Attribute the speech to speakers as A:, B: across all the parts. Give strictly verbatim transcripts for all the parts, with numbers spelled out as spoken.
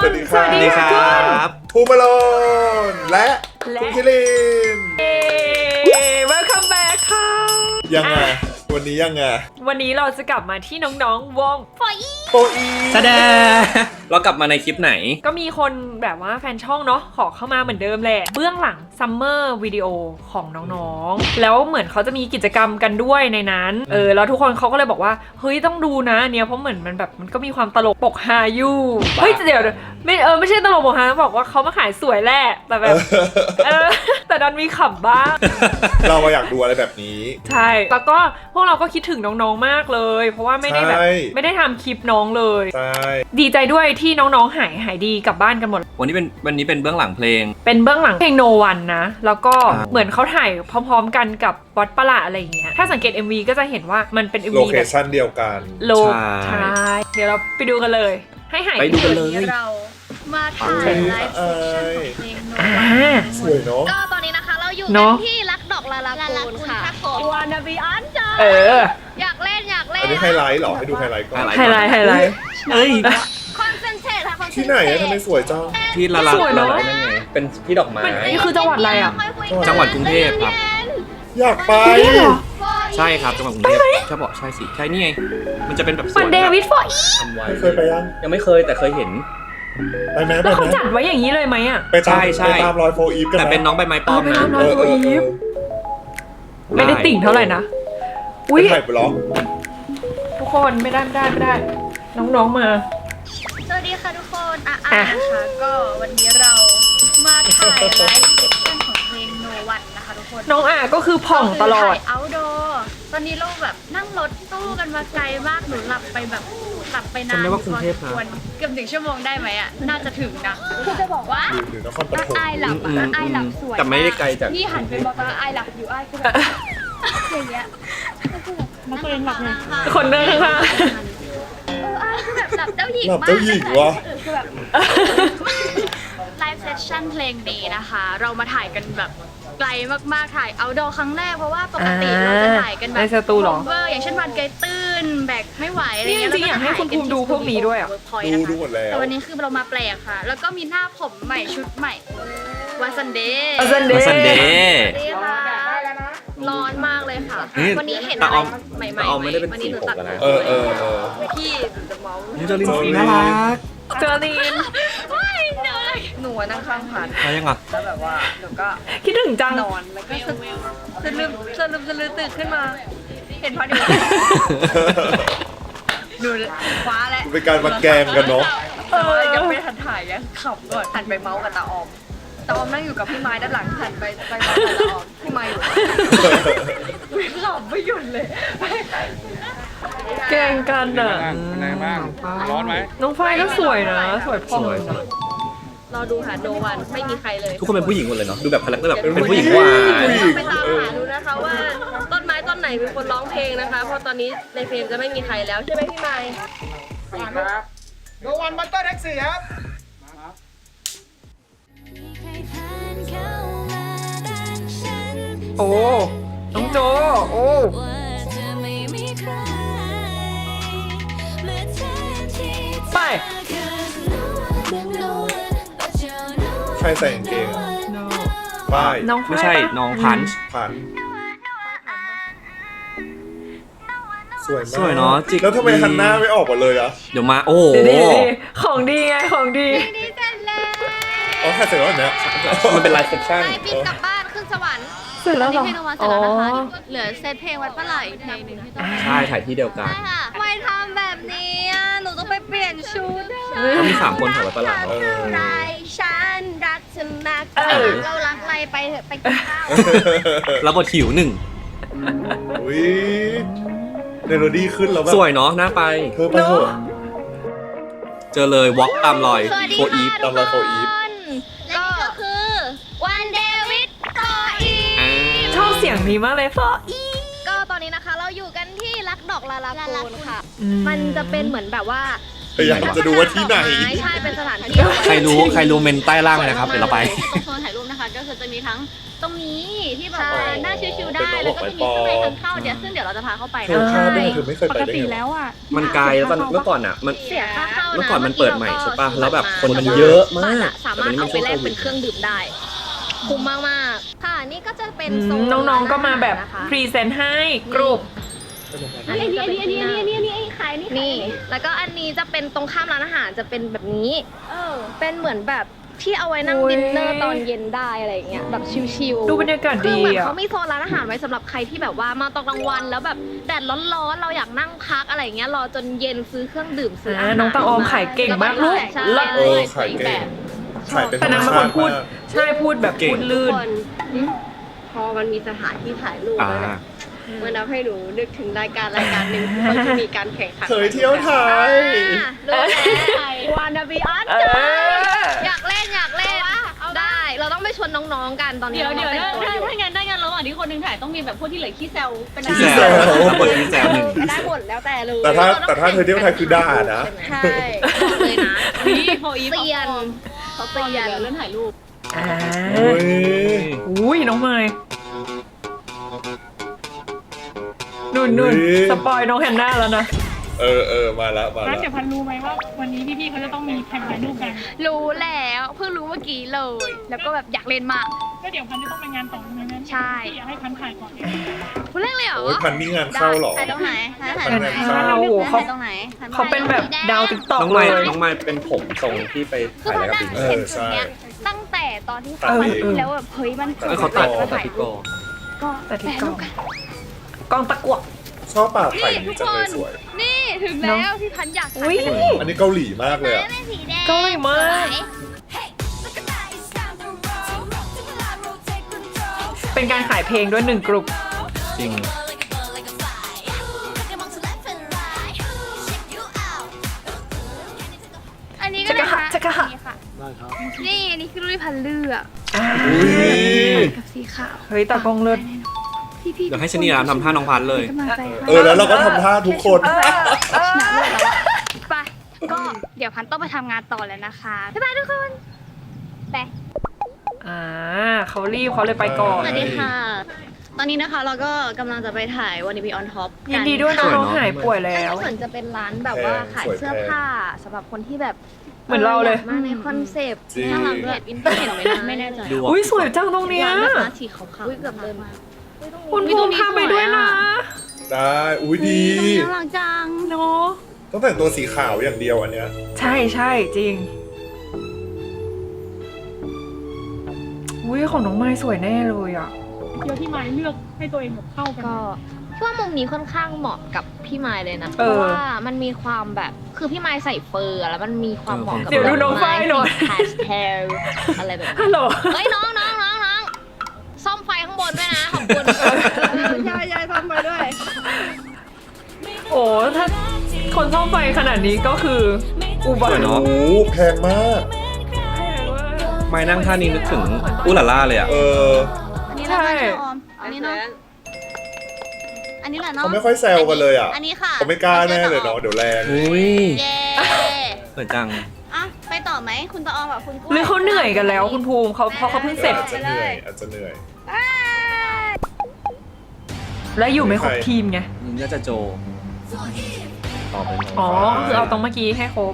A: วัสดีครับ
B: สวัสดีครับ
A: ภูมิโลนและคุณคิริน
B: Welcome back ค่ะ
A: ยังไงวันนี้ยังไง
B: วันนี้เราจะกลับมาที่น้องๆวง โฟอี
A: โฟอี
C: แสดงเรากลับมาในคลิปไหน
B: ก็มีคนแบบว่าแฟนช่องเนาะขอเข้ามาเหมือนเดิมแหละเบื้องหลังซัมเมอร์วิดีโอของน้องๆแล้วเหมือนเขาจะมีกิจกรรมกันด้วยในนั้นเออแล้วทุกคนเขาก็เลยบอกว่าเฮ้ยต้องดูนะเนี่ยเพราะเหมือนมันแบบมันก็มีความตลกปกฮาอยู่เฮ้ยเดี๋ยวไม่เออไม่ใช่ตลกปกฮาบอกว่าเขามาขายสวยแหละแต่แบบเออแต่ดันมีขำบ้าง
A: เรามาอยากดูอะไรแบบนี้
B: ใช่แล้วก็พวกเราก็คิดถึงน้องๆมากเลย เพราะว่าไม่ได้แบบ
A: ใช่
B: ไม่ได้ทำคลิปน้องเลย
A: ใช่
B: ดีใจด้วยที่น้องๆหายหายดีกลับบ้านกันหมด
C: วันนี้เป็นวันนี้เป็นเบื้องหลังเพลง
B: เป็นเบื้องหลังเพลง No One นะ แล้วก็
C: อ่า
B: เหมือนเขาถ่ายพร้อมๆกันกับวัดประหลาดอะไรอย่างเงี้ยถ้าสังเกต เอ็ม วี ก็จะเห็นว่ามันเป็น เอ็ม
A: โล
B: วี
A: เค
B: แบบ
A: ชั่นเดียวกัน
B: โลก
C: ใช่
B: ใช่เดี๋ยวเราไปดูกันเลย ให้หาย
C: ไปดูกันเลย
D: เรามาถ่ายไลฟ์เซสชั่นของเพลงโน
B: อ่า
A: สวยเนาะ
D: ก็ตอนนี้นะคะเราอยู่
B: เน
D: กั
B: อะ
D: นที่รักดอกลาลากูนค่ะวานาบีอันจ้า
B: เออ
D: อยากเล่นอยากเล่น
A: อันนี้ไฮไลท์เหรอให้ดูไฮไลท์ก่อน
C: ไฮ
B: ไฮไลท์ไฮไลท์
C: เอ้ย
D: คอนเซนเทรตค่ะคอนเซนเทรต
A: ที่ไหนอะทำไมสวยจัง
C: ที่ละลา
B: สวยเนอะ
C: ละลายนั่นไงเป็นที่ดอกไม้
B: มันนี่คือจังหวัดอะไรอ่ะ
C: จังหวัดกรุงเทพครับ
A: อยากไป
B: กรุงเทพเหรอ
C: ใช่ครับจังหวัดกรุงเทพใช่บอกใช่สิใช่นี่ไงมันจะเป็นแบบส
B: มั
C: วน น
B: เดวิดโฟอี
C: ทำไว้
A: ไม่เคยไปยัง
C: ยังไม่เคยแต่เคยเห็น
A: ไปไหมไป
B: แล้ว
A: ไหม
B: เขาจัดไว้อย่างนี้เลยไหมอ่ะ
A: ไปตาม
C: ใช่ใช่
A: ไปตามรอยโฟอีฟกัน
C: แต่
A: ไหม
C: เป็นน้องใบไม้ป้อมนะ
B: เออไปตามน้อง
A: เออเออเออ
B: ไม่ได้ติ่งเท่าไหร่นะ
A: ไป
B: อุ้ย
A: ถ่ายบล็อก
B: ทุกคนไม่ได้ไม่ได้ไม่ได้ น้องๆมา
D: สวัสดีค่ะทุกคนอ่ะ
B: อ่ะ
D: อ่ะนะคะก็วันนี้เรามาถ่ายไลฟ์เซสชั่นของเพลงโนวันนะคะทุกคน
B: น้องอ่ะก็คือผ่องตลอด
D: ถ่าย outdoor ตอนนี้เราแบบนั่งรถตู้กันมาไกลมากหนูหลับไปแบบหลับไปนาน
C: จำได้ว่ากรุงเทพ
D: พอสมควรเกือบถึงชั่วโมงได้ไหมอ่ะน่าจะถึงนะคือจะบอกว่า
A: หรือนครป
D: ถ้า
A: ฐม
D: อายหลับ
C: อื
D: อ่ะ
C: ม
D: อายหลับสวย
C: แต่ไม่ได้ไกลจาก
D: นี่หันไปบอกว่าอายหลับอยู่อายคือแบบอย่างเงี้ยมาตัวเองหลับไง
B: คนเดินข้าง
D: เอออายคือแบบหลับเจ้าหญิง
A: หลับ
D: มาก
A: เจ้าหญิงวะ
D: คือแบบไลฟ์เซสชั่นเพลงนี้นะคะ เรามาถ่ายกันแบบไกลมากๆถ่ายเอาดอครั้งแรกเพราะว่าปกติเราจะถ่ายกันแบบ
B: ในสตูเหรอ
D: เวอร์อย่างเช่นวันไกลตื้นแบกไม่ไหวอะไร
B: นี่
D: เงี้ย
B: จริงๆอยากให้คุณภูมิดูพวกนี้ด้วยอะ
A: ดูดูหมดแล้ว
D: แต่วันนี้คือเรามาแปลกค่ะ แล้วก็มีหน้าผมใหม่ชุดใหม่วันซันเดย์
B: ๆซันเด
C: มาซันเด
B: ย์
C: ย์
D: นี่ค่ะร้อนมากเลยค่ะ
C: เฮ้ย
D: วันนี้เห็น
C: ตา
D: อะไร
C: ออม
D: ใหม่ๆ
C: ตาออมไม่ได้เป็น
D: วัน
C: สี
D: นี้หนู
C: ผม
D: ตัด
C: แล้วนะ
A: เออเออเออ
D: พี่จะเมา
C: นี่เจอลิน
A: โซลิ
C: สี
A: น
C: น่ารัก
B: เจอรีน
D: ไม่เหนื่อยหนูนั่งข้างผ่าน
C: แล้วยังอ่ะ
D: แล้วแบบว่าหนูก็
B: คิดถึงจัง
D: นอนแล้วก็สะสะลืมสะลืมสะลืมตื่นขึ้นมา เห็นพอดีดูคว้าแล้ว
A: เป็นการมาแกล้งกันเนาะ
D: แต่ว่ายังไม่ทันถ่ายยังขับก่อนหันไปเมาส์กับตาออมตาออมนั่งอยู่กับพี่ไม้ด้านหลังหันไปไปเมาส์กับตาออมพี่ไม้อยู่ไม่ขับไม่หยุดเลย
B: แกล้งกันอ่ะ
E: เป็นไงบ้าง ร้อนไหม
B: น้องฝ้ายก็สวยนะ สวยผ่อง
C: สวยสวย
D: รอดูหาโนวันไม่มีใครเลย
C: ทุกคนเป็นผู้หญิงหมดเลยเนาะดูแบบคาแรคเตอร์แบบเป็นผู้หญิงหวาน
A: ผู้หญิง
F: ไปตามหาดูนะคะว่าต้นไม้ต้นไหนเป็นคนร้องเพลงนะคะ เพราะตอนนี้ในเพลงจะไม่มีใครแล้วใช่ไหมพี่ไมค์
E: ครับโนวันบัตเตอร์แท็กซี่ครับ
B: โอ้ น้องโจ โอ้ ไป
A: ใครใส่กางเกงอะป้าย
B: น้อง
C: ไม่
B: ฝ้าย
C: ใช่
B: ปะ
C: น้องพันช์
A: ผ่านสวยมาก
C: สวยเนาะจิก
A: แล้วทำไมฮันหน้าไม่ออกมาเลยอะ
C: เดี๋ยวมาโอ้โห
B: เดี๋ยวดิของดีไง ของดี
D: ดีเสร็จแล้ว
A: อ๋อถ่ายเสร็จแล้วเหรอเนี่ย
C: มันเป็นไลฟ์เซสชั่น
D: ไปบินกลับบ้านขึ้นสวรรค์
B: เสร็จแล้วเหรอ
D: นี่เพลงโนวันเสร็จแล้วนะคะเหลือเซตเพลงวัดปลาไหลอีกเพลงหนึ่งที่ต้อง
C: ใช่ถ่ายที่เดียวกัน
D: ใช่ค่ะทำไมทำแบบนี้อ่ะหนูต้องไปเปลี่ยนชุด
C: ก็มีสามคนถ่ายไว้ประหลาด
A: เออ
D: ไรฉันรักเธอมาก
B: เออ
D: เรารักอะไรไปเถอะไปกินข้าว
C: แล้วบทหิวหนึ่ง
A: อุ้ยเมโลดี้ขึ้นแล้วแบบ
C: สวยเนาะน่าไป
A: เธอไปเถอะ
C: เจอเลยวอล์กตามรอย
D: สวัสดี
C: โฟอีฟ
D: ค่ะ
A: ตามรอยโฟอีฟ
D: ก็คือวันเดวิดโฟอี
C: อ่า
B: ชอบเสียงนี้มากเลยฟออี
D: ก็ตอนนี้นะคะเราอยู่กันที่รักดอกลาลากูนค่ะ
B: อืม
D: มันจะเป็นเหมือนแบบว่า
A: พยายามจะดูว่าที่ไหน
D: ใช่เป็นสถานที่
C: ใครรู้ใครรู้เมนใต้ล่างเลยนะครับเดี๋ยวเราไป
G: ตรงโซนถ่ายรูปนะคะก็คือจะมีทั้งตรงนี้ที่แบบ
D: ใช่
G: ว่าน่าชิวๆได้แล้วก็จะมีข้างในทางเข้าเดี๋ยวซึ่งเดี๋ยวเราจะพาเข้าไป
A: เธอ
G: นะ
A: ข้ามด้วยเธอไม่เคย
B: ป
A: ไป
B: ก
A: ได้
B: ติ
A: ไง
B: แล้วอ่ะ
C: มันไกลแล้วตอนเมื่อก่อนอ่ะมัน
D: เสียค่าเข้านะ
C: เมื่อก่อนมันเปิดใหม่ใช่ปะแล้วแบบคนมัน
D: แต่ว่า
C: เยอะมาก
D: บัตรอะสามารถ
C: แต่
D: เอา
C: วั
D: ไป
C: น
D: แล
C: นี้
D: ก
C: มัน
D: เป็นเครื่องดื่มได้คุ้มมากๆค่ะนี่ก็จะเป็นโซน
B: น้องๆก็มาแบบ
D: นะคะ
B: พรีเซนต์ให้กรุ๊ป
G: อันนี้อันนี้อันนี้อันนี้อันนี้อันนี้ไอ้ขายนี่
D: นี่ แล้วก็อันนี้จะเป็นตรงข้ามร้านอาหารจะเป็นแบบนี้
G: เออ
D: เป็นเหมือนแบบที่เอาไว้นั่ง
B: โอ้ย
D: ดินเนอร์ตอนเย็นได้อะไรอย่างเงี้ยแบบชิลๆ
B: ดูบรรยากาศ
D: คือ
B: ดี
D: เหมือน
B: อ่ะ
D: เขามีโซนร้านอาหารไว้สำหรับใครที่แบบว่ามาตอนกลางวันแล้วแบบแดดร้อนๆเราอยากนั่งพักอะไรอย่างเงี้ยรอจนเย็นซื้อเครื่องดื่มซื้ออา
B: อ่า
D: หาร
B: น้องตาออมขายเก่งมากลูก
D: ใช่
B: เลิศ
A: เออขายเก่งขายเป็นธร
B: แต่
A: รม
B: นางเป็น
A: ชา
B: คน
A: ติ
B: พูด
A: มาก
B: ใช่พูดแบบ
C: เก่ง
B: พูดลื่น
G: คนพอมันมีสถานที่ถ่ายรูป
C: อ่า
G: แล้วเนี่ยมันทำให้หนูนึกถึงรายการรายการหนึ่งที่เขาจะมีการแข่งขัน
A: เคยเที่ยวไทย
D: อ่ะรู้แล้ววานาบีออน
B: เออ
D: อยากเล่นอยากเล่นได้ เราต้องไปชวนน้องๆกันตอนนี้
G: เดี๋ยวเดี๋ยว
D: น้องๆ
G: ถ้า
D: แต่งตัวอยู่
G: ถ้างั้นได้งั้นระหว่างที่คนหนึงถ่ายต้องมีแบบพวกที่เหลือขี้แซวเป็น
C: ที่
A: ขี้
C: แซ
A: แซ
C: ว
A: ว
C: รับบทที่แซวหนึ่ง
D: ได้หมดแล้วแต่เลย
A: แต่ถ้าแต่ถ้าเธอเที่ยวไทยคือด่านะ
D: ใช่บอกเลยนะ
G: นี่โฟอีฟ
D: เตียน
G: เขาเตียนเรื่องถ่ายรูป
B: อ่า
A: โอ้ย
B: อุ้ยน้องไมค์นุ่นนุ่นสปอยน้องแฮนนาแล้วนะ
A: เออเออมาแล้วมา
H: งั้
A: แล้
H: น
A: ว
H: เดี๋ยวพันรู้ไหมว่าวันนี้พี่ๆเขาจะต้องมีแข่งถ่ายรูปกัน
D: รู้แล้วเพิ่งรู้เมื่อกี้เลย แล้วก็แบบอยากเล่นมาก
H: ก็เดี๋ยวพันจะต้องไปงานต่อในนั้น
D: ใช่
H: พี่อยากให้พันถ่ายก่อน
D: คุณเล่นเลยเหรอ
A: โอ้ยพันนี่งานเข้าเหรอ
G: ถ่ายตรงไหนถ่าย
A: พันงานเข้า
B: โอ้โหเขา
G: ถ่ายตรงไหน
B: เขาเป็นแบบดาวติ๊กต็อก
C: น้อง
B: เล
C: ไม้
B: ย
C: น้องไม้เป็นผมทรงที่ไป
D: คือ
C: ถ่าย
D: พัน
C: แล้ว
D: นั่ง
C: กับ
A: เอ
D: เห็น
A: อ
D: จุดเนี้ย
A: ใช่
D: ตั้งแต่ตอนที่
A: ตัดเอง
D: แล้วแบบเฮ้ยมัน
C: เออเขาตัด
D: มา
C: ตัด
D: ถ่าย
C: ที่
D: รู
C: กอ
D: ปก็
B: แต่ที่
D: แปะ
B: กล้
D: รู
B: อง
D: ปกัน
B: กล้องตะกั่ว
A: ชอบป่าไทยนี่จังเลยสวย
D: นี่ถึงแล้วที่พันอยากถ่าย
B: อุ้ย
A: อันนี้เกาหลีมากเลยอะ
D: เป็นสีแดง
B: เกาหลีมาก เป็นการขายเพลงด้วยหนึ่งกลุ่ม
C: จริง
D: อันนี้ก็
B: จะกระ
D: นะ
B: หะ
D: คะ
B: จะกระหะ
D: นี่ค่ะนี่อันนี้คือรูปพันเลือก
B: อ่า
A: อุ้ย
D: กับสีขาว
B: เฮ้ยตากล้องเลิศ
D: พี่พี่
C: เดี๋ยวให้ชนีรามทำท่าน้องพันเลย
D: กำลังใจ
A: เออแล้วเราก็ทำท่าทุกคน
D: ไปก็เดี๋ยวพันต้องไปทำงานต่อแล้วนะคะบ๊ายบายทุกคนไป
B: อ่าเขารีบเขาเลยไปก่อน
G: สวัสดีค่ะ ตอนนี้นะคะเราก็กำลังจะไปถ่ายวันนี้พีออนท็อป
B: ยินดีด้วยนะ
C: สวยเน
B: น้
C: อะ
B: องหายป่วยแล้ว
D: เหมือนจะเป็นร้านแบบว่าขายเสื้อผ้าสำหรับคนที่แบบ
B: เหมือนเราเลย
D: มาในคอนเซปต์
A: จริง
G: น่ารักด้วยอินเตอร์เห็นไหมนะไม่แน่ใจ
C: ดู
B: อุ้ยสวยจังตรงเนี้ย
G: ร้านนะคะสีขาวๆ
D: อุ้ยเกือบเดินมา
B: คุณภูมิพาไปด้วยนะ
A: ได้อุ้ยดี
G: น่ารักจัง
B: เนาะ
A: ต้องแต่งตัวสีขาวอย่างเดียวอันเนี้ย
B: ใช่ใช่จริง อุ้ยของน้องไม้สวยแน่เลยอ่ะ
H: เดี๋ยวที่ไม้เลือกให้ตัวเองแบบเข้ากัน
D: ก็พี่ว่ามุมนี้ค่อนข้างเหมาะกับพี่ไม้เลยนะเพ
B: เออ
D: ราะว่ามันมีความแบบคือพี่ไม้ใส่เฟอร์อะแล้วมันมีความเหมาะกับ
B: เดี๋ยวดูน้องฝ้ายหน่อย
D: พาสเทลอะไรแบบ
B: ฮั
D: นี้
B: ลโหล
D: เฮ้ยน้องน้องน้องน้องซ่อมไฟข้างบนด้วยนะขอบคุณ
G: ยายยายทำมาด้วย
B: โอ้ถ้าคนซ่อมไฟขนาดนี้ก็คือ อุบั
C: สวย
B: ติ
C: เนอะ
A: โอ้แพงมาก
C: ไม้นั่งท่านี้นึกถึงอุลาล่าเลยอ่ะ
A: เออ
G: อันนี้นะคะน้องออม อันนี้เนาะ อันนี้แหละเนาะ
A: เขาไม่ค่อยแซวกันเลยอ่ะ
G: อันนี้ค่ะ
A: เขาไม่กล้าแน่เลยเนาะเดี๋ยวแรง
C: อุ้ย
G: เย้
C: สวยจัง
G: อ่ะไปต่อไหมคุณตาออมกับคุณกล้วย
B: หรือเขาเหนื่อยกันแล้วคุณภูมิเขาเพราะเขาเพิ่งเสร็จ
A: อาจจะเหนื่อยอาจจะเหนื่อย
B: และอยู่ไม่ครบทีมไง
C: ยินยาจะโจต่อไป
B: อ๋อคือเอาตรงเมื่อกี้ให้ครบ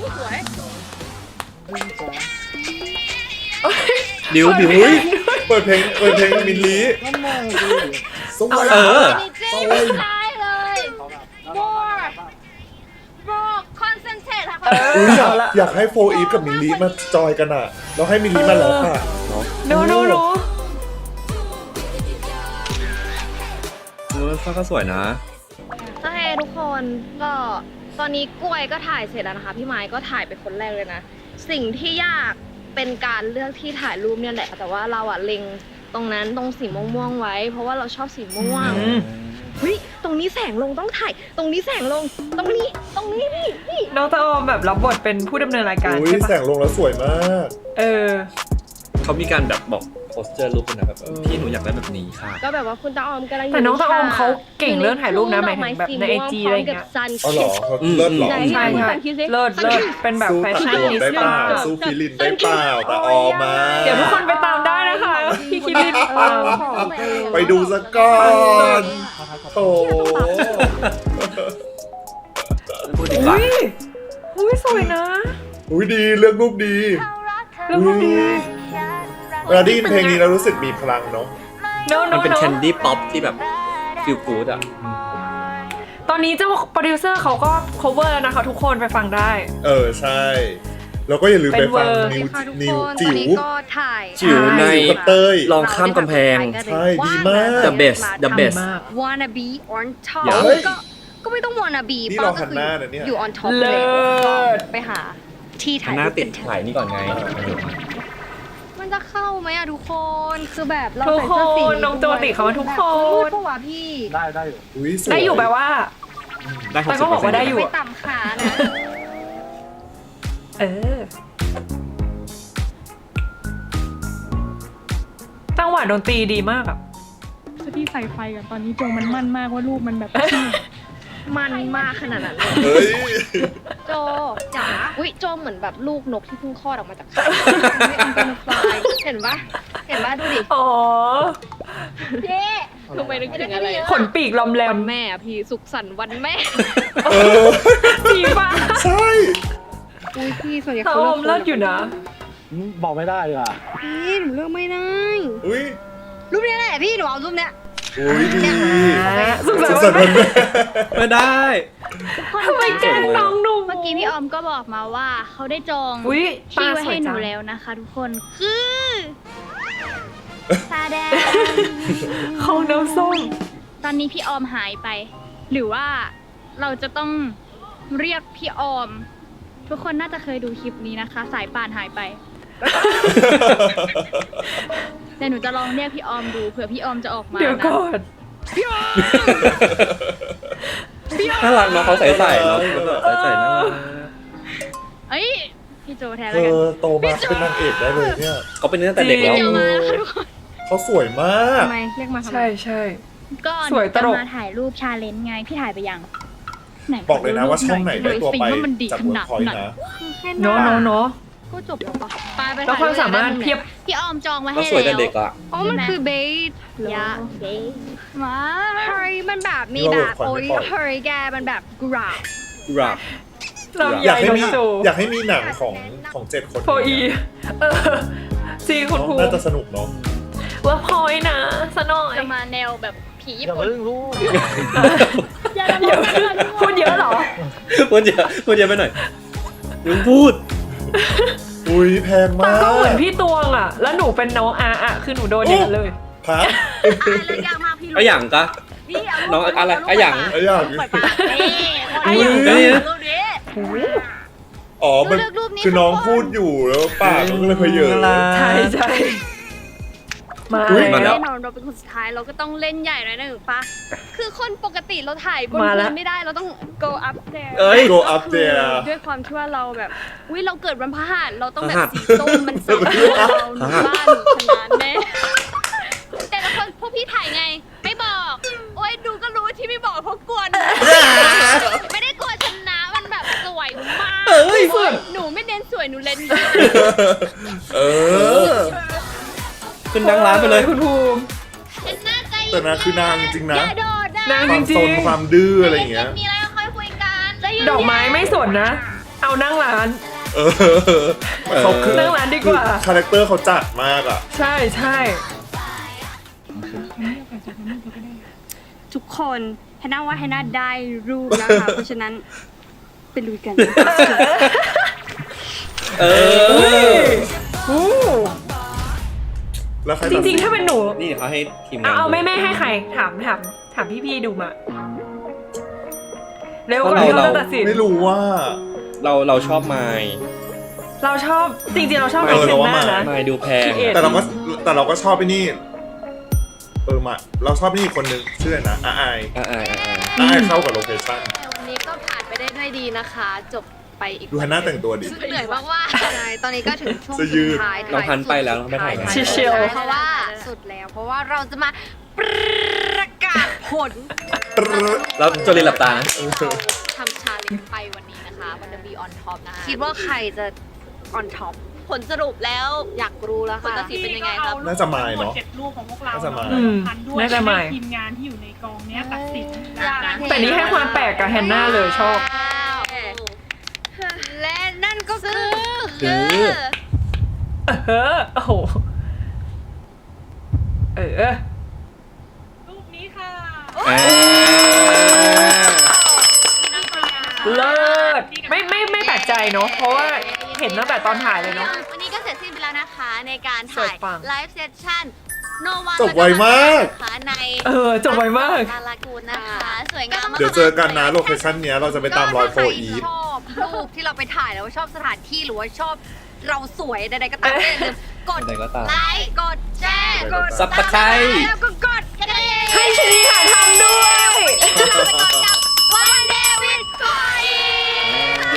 C: ดิวบิว
A: อุ้ยเปิดเพลงเปิดเพลงมินลีสวย
C: เออ
A: สวย
D: ได้เลยโบร์โบร์คอนเซนเทรตค่ะ
A: อุ้ยอยากอยากให้โฟอีฟกับมินลีมาจอยกันอ่ะแล้วให้มินลีมาร้องอ่ะ
B: โนโนโน
C: เออฟ้าก็สวยนะ
D: โอเคทุกคนก็ตอนนี้กล้วยก็ถ่ายเสร็จแล้วนะคะพี่ไม้ก็ถ่ายไปคนแรกเลยนะ สิ่งที่ยากเป็นการเลือกที่ถ่ายรูปเนี่ยแหละ แต่ว่าเราอะเล็งตรงนั้นตรงสีม่วงๆไว้ เพราะว่าเราชอบสีม่วง
B: อืม
D: เฮ้ยตรงนี้แสงลงต้องถ่ายตรงนี้แสงลงตรงนี้ตรงนี้นี่นี่
B: น้องตาออมแบบรับบทเป็นผู้ดำเนินรายการ
A: อุ้ย
B: ใช่
A: แส
B: ปะ
A: งลงแล้วสวยมาก
B: เออ
C: เขามีการแบบบอกโพสเจอร์รูปเป็นแบบเออพี่หนูอยากได้แบบนี้ค่ะ
F: ก็แบบว่าคุณตาออมกำลังยู่
B: แต่น้องตาออมเขาเก่ง
F: ยู่
B: เรื่องถ่ายรูปนะ
F: ทุ่
B: หมายถึงแบบใน IG อะไรอย่างเงี้ย
A: อ๋อเหรอเขาเลิศเหรอ
F: ไหน
B: ใช่
F: พี่
B: ใช่
F: สันคิดสิ
B: เลิศเลิศเป็นแบบ
A: สู้
B: แฟ
A: ตะ
B: ชั่น
A: กวง
B: นิส
A: ได้เป
B: ต้า
A: ล่าสู้คิรินได้เปล่าแต่ออมา
B: เดี๋ยวทุกคนไปตามได้นะคะพี่คิริน
F: เอ
B: ปัง
F: อของไป
A: ไปดูสักก่อนโถ
C: พูดดีกว่า
B: อุ้ยอุ้ยสวยนะ
A: อุ้ยดีเลือกรูปดี
B: เรื่องพวกนี้
A: เวลาได้ยินเพลงนี้เรารู้สึกมีพลังเนาะ
B: โน้
C: มั
B: โน้
C: นเป็น
B: โน้
C: แคนดี้ป๊อปที่แบบฟิลกู๊ดอ่ะ
B: ตอนนี้เจ้าโปรดิวเซอร์เขาก็ cover แล้วนะคะทุกคนไปฟังได้
A: เออใช่ แล้วก็อย่าลืมไปฟัง
B: เป็นเวอร์
A: นิว
D: ค่ะทุก
A: นิว
D: คนต
A: จิ๋
D: อน
A: ว
D: นี้ก็ถ่าย
C: จิ๋วใน
A: จิ๋วกับเต้ย
C: ลองข้ามกำแพง
A: ใช่ดีมาก
C: The best the best
B: มาก
D: wanna be on top
C: อย่า
D: ก็ก็ไม่ต้อง wanna be
A: นี่
D: ป้
A: เรา
D: ก็
A: หันหน้านะเนี่ย
D: อยู่ on top
B: เลิ
D: เลย
B: ศ
D: ไปหาที่ถ่าย
C: หน้า
D: รูป
C: ติด
D: กันเถอะ
C: ถ่ายนี่ก่อนไง
D: มันจะเข้าไหมอะทุกคนคือแบบเรา
B: ทุก
D: ใส่เสื้อสี
B: คนน้องโจติเขามาทุกคน
D: มืดปะวะพี่
E: ได้ได้อยู่
A: อุ้ยสวย
B: ได้อยู่แปลว่า
C: ได้ห
B: แต่
C: กสิ
B: ก็
C: บ
B: บอกว่าได้อยู่
D: ไม่ต่ำขานะ
B: เออจังหวะดนตรีดีมากอะ
H: ที่ใส่ไฟกันตอนนี้โจมันมั่นมากว่ารูปมันแบบ
D: มันมากขนาดนั้นเลย
A: เฮ้ย
D: โจจ๋าอุ้ยโจเหมือนแบบลูกนกที่เพิ่งคลอดออกมาจากไข่ไม่อันเป็นฟลายเห็นปะเห็นปะดูดิ
B: อ๋อ
D: เจ๊
F: ทำไมนึกถึงอะไร
B: ขนปีกลอมแร
D: วั
B: ม
D: นแม่อะพี่สุขสันต์วันแม่
A: เออ
B: สีฟ้า
A: ใช่
D: อุ้ยพี่ส่วนใหญ่
B: ตา
D: เขา
B: อมเลิศอยู่นะ
E: บอกไม่ได้เลยอ่ะ
D: พี่หนูเลือกไม่ได้
A: อุ้ย
D: รูปเนี้ยแหละพี่หนูเอารูปเนี้ย
A: อุ้ยดี
B: สุขสัน
A: สุข
B: ต์
A: สั
B: วัน น
A: ต์
B: แม่
A: วันแม่
C: ไม่ได้
B: ทำไมแกล้งน้องหนุ่ม
G: เมื่อกี้พี่ออมก็บอกมาว่าเขาได้จอง
B: อุ้ย
G: ที่
B: ตา
G: ไว้
B: สว
G: ให้
B: ย
G: ห
B: จั
G: นู
B: ง
G: แล้วนะคะทุกคนคือตาแดง
B: เขาน้ำส้ม
G: ตอนนี้พี่ออมหายไป หรือว่าเราจะต้องเรียกพี่ออม ทุกคนน่าจะเคยดูคลิปนี้นะคะ สายป่านหายไปแต่หนูจะลองเรียกพี่ออมดูเผื่อพี่ออมจะออกมา
B: เดี๋ยว
G: นะ
B: ก่อน
C: น่ารักเนาะเขาใส่ใส่เนาะใส่ใส่น่ารัก
G: เอ้ยพี่โจแทน
A: เธ
G: แล้วกัน
A: อโตมาเป็นนางเอกได้เลยเนี่ย
C: เขาเป็นตั้งแต่เด็กแล้ว
G: เดี๋ยวมาแล้วค่ะทุกคน
A: เขาสวยมาก
D: ทำไมเรียกมาทำไม
B: ใช่ใช่
G: ก็ห
B: ส
G: นู
B: วยต
G: จะ
B: ลก
G: มาถ่ายรูปชาเลนจ์ไงพี่ถ่ายไปยังไหน
A: บอกเลยนะว่าช่องไหนได้ตัวไป
G: ว่ามันดี
A: จาก
G: ข
A: เวิร์
G: นาด
A: คพอยต์
G: ไหน
A: นะ
D: แค่
B: เนาะเนาะเนาะ
D: ก็จบแล้วปะไปไป
B: แล้วความสามารถเพียบ
G: พี่ออมจองไว้
C: เขา
G: ให้
C: สวยแต่
G: แล้ว
C: เด็กอ่ะ
D: อ๋อมันคือเบส
G: ยะเด้มา
D: เฮ้ยมันแบบมี
A: นี่
D: แบ
A: ว่า
D: บ
A: เวิ
D: โอ้
A: ร์
D: ย
A: คพอยต์ไม่ปล่อย
D: เฮ้ยแกมันแบบกราบ
C: กราบ
B: ลำ
A: อ
B: ไย
A: ยากให้
B: น้อง
A: มี
B: โจ
A: อยากให้มีหนังของของเจ็ดคน
B: โฟอีเออจริงคุณครู
A: น่าจะสนุกเนาะ
B: ว่าพอยนะสะหน่อย
G: จะมาแนวแบบผีญี่
E: อย่า
G: ปุ่น
E: เพิ่งรู้
G: อย่าละ
B: เยอะพูดเยอะเหรอ
C: พูดเยอะพูดเยอะไปหน่อยยังพูด
A: อุ้ยแพง
B: ตาม
A: าก
B: ก็เหมือนพี่ตวงอ่ะ แล้วหนูเป็นน้องอาอ่ะ คือหนูโดนอย่างนั้นเลย
A: พัก
D: เลยยากมากพี่
C: อะหย่างกะ
D: นี่เอา
C: น้องอะไรอะหย่าง
A: ไอ้อย่าง
D: เปิดปากเอ๊ะ
B: ไอ้อย่าง
C: เอ้ย
D: รูปนี้
A: อ๋อมัน
D: เลือกรูปนี้
A: คือน้อง
D: ทุกคน
A: พูดอยู่แล้วปากมันก็เลยเพยเยอะ
B: ใช่ใช่มา
C: อุ๊ยมาแล้
B: แล้ว ว
D: แน่นอนเราเป็นคนสุดท้ายเราก็ต้องเล่นใหญ่หน่อยนะหรือปะคือคนปกติเราถ่ายบน
B: มาแล้ว
D: พื้นไม่ได้เราต้อง go up there
C: เอ้ย
A: go up there
D: ด้วยความที่ว่าเราแบบอุ้ยเราเกิดวันพฤหัสเราต้องแบ
C: พฤ
D: บ
C: หัส
D: สีส้มมันสำคัญเราหนูบ้านหนูชนะแน่แต่ละคนพวกพี่ถ่ายไง ไม่บอก โอ้ยดูก็รู้ที่ไม่บอกเพราะกลัวหนูไม่ได้กลัวชนะมันแบบสวยมาก
C: เอ้ยสวย
D: หนูไม่เน้นสวยหนูเล่นดี
A: เออ
C: ขึ้นดังร้านไปเลย
B: คุณภูมิ
D: เป็นหน้าใจ
A: แต่นะคือนางจริงนะ
D: อย่าโดดนะ
B: นาง
A: ความ
B: จริ
A: ซ
B: ง
A: นความดื้ออะไรอย่างเงี้ย
D: มีอะไรก็ค่อยคุยกันจะยืน
B: ๆดอกไม้ไม่สนนะ เอานั่งร้าน
A: เออเขาคือ
B: นั่งร้านดีกว่า
A: คาแรคเตอร์เขาจัดมากอ่ะ
B: ใช่ใช่
D: ทุกคนแฮนน่าว่าแฮนน่าได้รูปแล้วค่ะ เพราะฉะนั้นไปลุยกัน
C: เออ
B: อู้
A: แล้วใคร
B: จริงๆ ถ้าเป็นหนู
C: นี่เขาให้ทีมงา
B: เอา
C: น
B: เอา
C: ดู
B: แม่แม่ให้ใคร ถามถามถามพี่ๆดูมา เร็วกว่าที่เราจะตัดสิน
A: ไม่รู้ว่า
C: เราเราชอบไมค์
B: เราชอบจริงๆ เราชอบ
A: เอ
B: ไม
A: อ
B: ค์เซ
A: เรา
B: น
A: ว่า
B: หน้า
A: มา
B: นะ
C: ไมค์ดูแพง
B: Create
A: แต่เราก็แต่เราก็ชอบไอ้นี่ เออมาเราชอบนี่คนหนึงชื่ออะไรนะอาไอ
C: อ่าอ่าอ่า
A: อาไอเข้ากับโลเคชั่น
D: วันนี้ก็ผ่านไปได้ด้วยดีนะคะ จบไปอีก
A: ดูฮันน่าแต่งตัวดิ
D: เหนื่อยมากว่าใช่ตอนนี้ก็ถึงช่วง
A: จะยื
D: สุ
A: ด
D: ดท้าย
C: น้องพันธุ์ไปแล้วน้องไม่ถ่ายไหม
B: เชียว
D: เพราะว่าสุดแล้ว เพราะว่าเราจะมาประกาศผล
C: แล้วโจลินหลับตานะ
D: ทำชาเลนจ์ไปวันนี้นะคะ มันจะ be on top นะคะคิดว่าใครจะ on top
F: ผลสรุปแล้ว
D: อยากรู้แล้ว
F: ผล
D: ค่ะ
F: ตัดสินเป็นยังไงครับ
A: น่าจะมายเนอะ
H: เจ็ดรูปของพวกเรา
A: น่าจะมาย
H: เนอะพันด้วย
B: น่าจะมาย
H: ให้ทีมงานที่อยู่ในกองเนี้ยตัดสิน
D: อยาก
H: นะ
D: เห็
B: แต่นี่ให้ความแปลกกับแฮนนาเลยชอบ
D: และนั่นก็คือ
C: คือ
B: เออโอ้โห เออ
H: รูปนี้ค่ะ
C: อ่า
B: เลิศไม่ไม่ไม่แปลกใจเนาะเพราะว่าเห็นตั้งแต่ตอนถ่ายเลยเนาะ
D: วันนี้ก็เสร็จสิ้นไปแล้วนะคะในการ
B: สว
D: ถ่าย ย
B: ปัง
D: ไลฟ์เซสชั่นโนวัน
A: จบไวมาก
D: ใน
B: เออจบไวมาก
D: ลาลากูนนะคะสวยงามมาก
A: เดี๋ยวเจอกันนะโลเคชั่นเนี้ยเราจะไปตามรอยโฟอีฟ
D: ชอบรูปที่เราไปถ่ายแล้วชอบสถานที่หรือว่าชอบเราสวยใดๆก็ตามอย่าลืมกด
C: ใดๆก็ตาม
D: ไลค์กดแชร์กด
C: ซับสไครบ์
D: แล้วก็กดกระดิ่ง
B: ให้ชนีหาทำด้วย
D: เราไปก่อนกับวันเดวิดคอย
A: เย้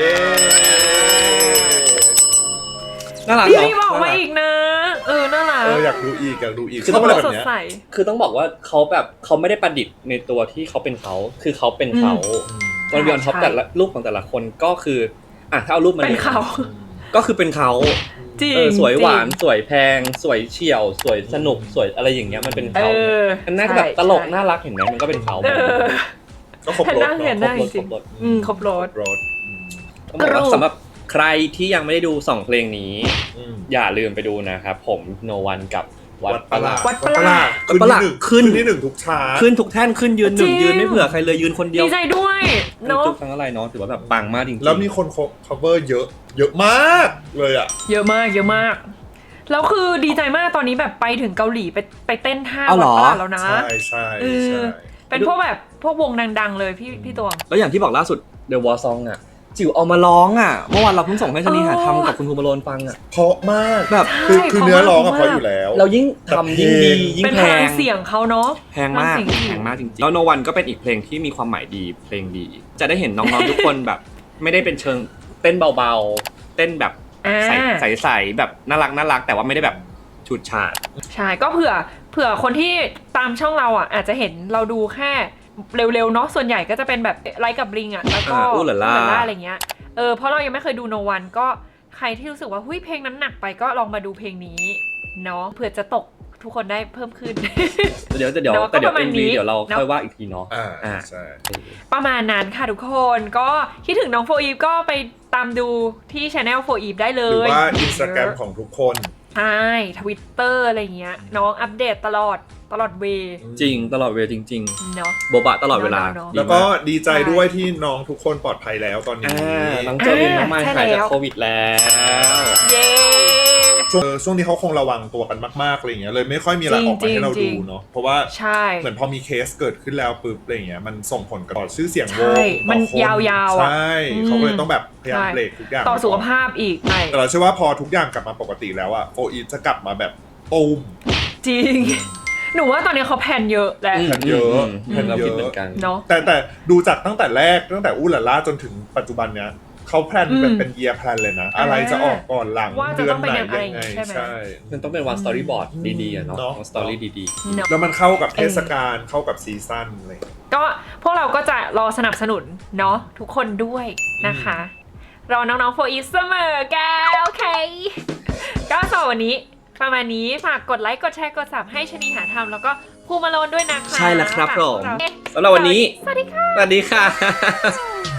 C: น่ารัก
B: พี่
C: เนาะ
B: รีบบอกมาอีกนะ เออน่ารัก
A: เอออยากดูอีกอยากดูอีก
C: คือ
A: ชอบอะไร
B: ส
A: แบบ
B: ด
A: เนี้ย
B: ใส
C: คือต้องบอกว่าเขาแบบเขาไม่ได้ประดิษฐ์ในตัวที่เขาเป็นเขาคือเขาเป็นเขาตอนบิออนท็อป
B: ใช่
C: แต่ละรูปของแต่ละคนก็คืออ่ะถ้าเอารูปมา
B: เป็นเขา
C: ก็คือเป็นเขา
B: จริง
C: เออสวยหวาน
B: จริง
C: สวยแพง สวยเฉี่ยว สวยสนุกสวยอะไรอย่างเงี้ยมันเป็น
B: เอ
C: เขา
B: อ
C: มันน่าจะแบบตลก
B: ใช่
C: น่ารักเห็นไหมมันก็เป็นเขา
B: เออ
A: ก็ครบรถ
B: เห็นหน้า
A: เนาะ
B: เห็นหน้า
C: ครบรถ
B: อืมครบรถ
A: รถอืม
C: ต้องบอกว่าสำหรับใครที่ยังไม่ได้ดูสองเพลงนี้
A: อืม
C: อย่าลืมไปดูนะครับผมโนวันกับวัดประหลาด
B: วัดประหลาด
A: ขึ้น
C: วัดประหลาด
A: ที่หนึ่ง
C: ขึ้น
A: ขึ้นที่หนึ่งทุกชาร์ต
C: ขึ้นทุกแท่นขึ้นยืนหนึ่ง
B: จริง
C: ยืนไม่เผื่อใครเลยยืนคนเดียว
B: ดีใจด้วยเนาะ
C: จุกทั้งอะไรเนาะถือว่าแบบปังมากจริงๆ
A: แล้วมีคน cover เยอะ เยอะมากเลยอ่ะ
B: เยอะมากเยอะมาก แล้วคือดีใจมากตอนนี้แบบไปถึงเกาหลีไปไปเต้นท่า
C: เอาเหรอ
B: วัดประหลาดแล้วนะ
A: ใช่ใช่
B: เออ
A: ใช่
B: เป็นพวกแบบพวกวงดังๆเลยพี่พี่ตวง
C: แล้วอย่างที่บอกล่าสุด The War Song อ่ะจิ๋วเอามาร้องอ่ะเมื่อวานเราเพิ่งส่งให้ชนีหาทำกับคุณภูมิโรนฟังอ่ะ
A: เพราะมาก
C: แบบ
A: คือ
B: ใช่
A: คือเนื้อร้องอะ
B: เพ
A: เพ
B: ราะ
A: ราะ
B: มาก
A: อยู่แล้ว
C: เรายิ่งทำยิ่งดียิ่ง
B: เป็น
C: แพ
B: พลัง
C: ง
B: เสียงเขาเนาะ
C: แพงมาก
B: พลังเสียง
C: แพงมากจริงๆแล้วโนวันก็เป็นอีกเพลงที่มีความหมายดีเพลงดี จะได้เห็นน้องๆทุกคนแบบ ไม่ได้เป็นเชิงเต้นเบาๆ เต้นแบบ
B: อ่า
C: ใสๆแบบน่ารักน่ารักแต่ว่าไม่ได้แบบฉุดฉาด
B: ใช่ก็เผื่อเผื่อคนที่ตามช่องเราอ่ะอาจจะเห็นเราดูแค่เร็วๆเนาะส่วนใหญ่ก็จะเป็นแบบไลค์กับบลิงอ่ะแล้วก็
C: อ่าอู้หล่าล่า
B: อู้หล่าอะไรเงี้ยเออเพราะเรายังไม่เคยดูโนวันก็ใครที่รู้สึกว่าหุ้ยเพลงนั้นหนักไปก็ลองมาดูเพลงนี้เนาะเผื่อจะตกทุกคนได้เพิ่มขึ้น
C: เดี๋ยวเดี๋ยว
B: เนอะ
C: แต่เดี๋ยว
B: ก็ประมาณ
C: เอ็ม
B: นี้
C: วีเดี๋ยวเรา
B: เนอะ
C: ค่อยว่าอีกทีเนาะ
A: อ่า
C: อ่า
A: ใช่
B: ประมาณนั้นค่ะทุกคนก็คิดถึงน้องโฟอีฟก็ไปตามดูที่ช anel โฟอีฟได้เล
A: หรือย ว่าอินสตาแกรมของทุกคน
B: ใช่ทวิตเตอร์อะไรเงี้ยน้องอัปเดตตลอดตลอดเวย์
C: จริงตลอดเวลาจริง
B: เนาะ
C: ๆ โบบะตลอดเวลา
B: เนอะ
C: ดี
A: แล้วก็
C: มาก
A: ดีใจด้วยที่น้องทุกคนปลอดภัยแล้วตอนนี้
C: อ่าน้องเจอรินน้องไม้
B: ใช่
C: หายจาก
B: แล้ว
C: โควิดแล้ว
B: เย้
A: ช่วงเออช่วงนี้เขาคงระวังตัวกันมากๆอะไรอย่างเงี้ยเลยไม่ค่อยมีอะไรออกมาให้เรา
B: จริ
A: ดู
B: งๆ
A: เนาะเพราะว่า
B: ใช่
A: เหมือนพอมีเคสเกิดขึ้นแล้วปุ๊บอะไรอย่างเงี้ยมันส่งผลกับต่อชื่อเสียงว
B: ใช่
A: ง
B: มัน
A: ต่อคน
B: ยาวๆอะ
A: ใช่
B: อืม
A: เขาก็เลยต้องแบบพยายาม
B: ใช่
A: เบรกทุกอย่าง
B: ต่อสุขภาพอีกใช่
A: แต่เราเชื่อว่าพอทุกอย่างกลับมาปกติแล้วอะโฟอีฟจะกลับมาแบบตูม
B: จริง หนูว่าตอนนี้เขาแพลนเยอะแหละ
C: อืม
A: แผ่นเยอะ
C: ม
A: แผ่น
C: เรา
A: เย
C: คิด
A: อะ
C: เหมือนกัน
B: เนาะ
A: แต่แต่ดูจากตั้งแต่แรกตั้งแต่อู้หล่าล่าจนถึงปัจจุบันเนี้ยเขาแพลนเป็น
B: อืม
A: เป็นเยียร์แพลนเลยนะ
B: อ่า
A: อะไรจะออกก่อนหลัง
B: ว่าจะ
A: เดือ
B: ต้อน งเป็น
A: ไหน
B: ยังไง
A: ยังไง
B: ใช่ไหม
A: ใช่
C: มันต้องเป็นวันสตอรี่บอร์ดดีๆอะเนาะ
A: เนอะ
C: สตอรี่ดี
B: เนาะ
A: แล้วมันเข้ากับเทศกาลเข้ากับซีซั่นอะไรอย่างเลย
B: ก็พวกเราก็จะรอสนับสนุนเนาะทุกคนด้วยนะคะ รอน้องๆโฟอีฟเสมอแกโอเค ก็สำหรับวันนี้ประมาณนี้ฝากกดไลค์กดแชร์กดซับให้ชนีหาทำแล้วก็ภูมิมาโลนด้วยนะคะ
C: ใช่แล้วครับ
B: ฝาก
C: ผ
B: พว
C: ม
B: กเรา
C: สำหรับวันนี้
B: สวัสดีค่ะ
C: สวัสดีค่ะ